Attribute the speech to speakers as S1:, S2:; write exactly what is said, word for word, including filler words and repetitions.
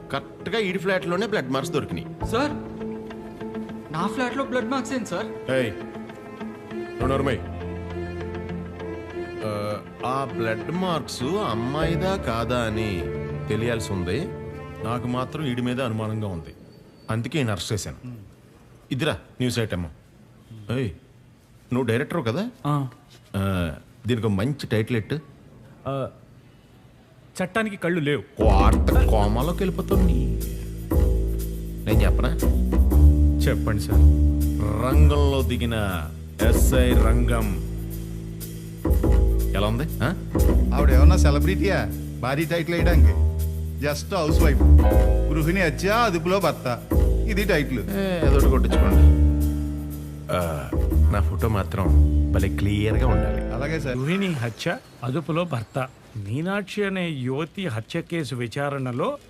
S1: కరెక్ట్గా ఈడి ఫ్లాట్లోనే బ్లడ్ మార్క్స్ దొరికినాయి.
S2: సార్ నా ఫ్లాట్లో బ్లడ్ మార్క్స్ ఏంటి సార్?
S1: ఏయ్ నోర్మై, ఆ బ్లడ్ మార్క్స్ అమ్మాయిదా కాదా అని తెలియాల్సి ఉంది. నాకు మాత్రం ఈడి మీద అనుమానంగా ఉంది, అందుకే నేను అరెస్ట్ చేశాను. ఇదిరా న్యూస్ ఐటమ్. ఏయ్ నువ్వు డైరెక్టర్ కదా,
S3: ఆ,
S1: ఆ, దీనికి ఒక మంచి టైటిల్ ఎట్టు.
S3: ఆ, చట్టానికి కళ్ళు లేవు.
S1: వార్త కోమాలోకి వెళ్ళిపోతుంది. నేను చెప్పనా?
S3: చెప్పండి సార్.
S1: రంగంలో దిగిన ఎస్ఐ రంగం. ఎలా ఉంది? ఆ?
S4: ఆవిడ ఏమన్నా సెలబ్రిటీయా భారీ టైటిల్ వేయడానికి? జస్ట్ హౌస్ వైఫ్, గృహిణి హత్య అదుపులో భర్త, ఇది టైటిల్.
S1: ఏ, ఏదోటి కొట్టించుకోండి. ఆ, నా ఫోటో మాత్రం భలే క్లియర్గా ఉండాలి.
S4: అలాగే సార్.
S3: గృహిణి హత్య అదుపులో భర్త. మీనాక్షి అనే యువతి హత్య కేసు విచారణలో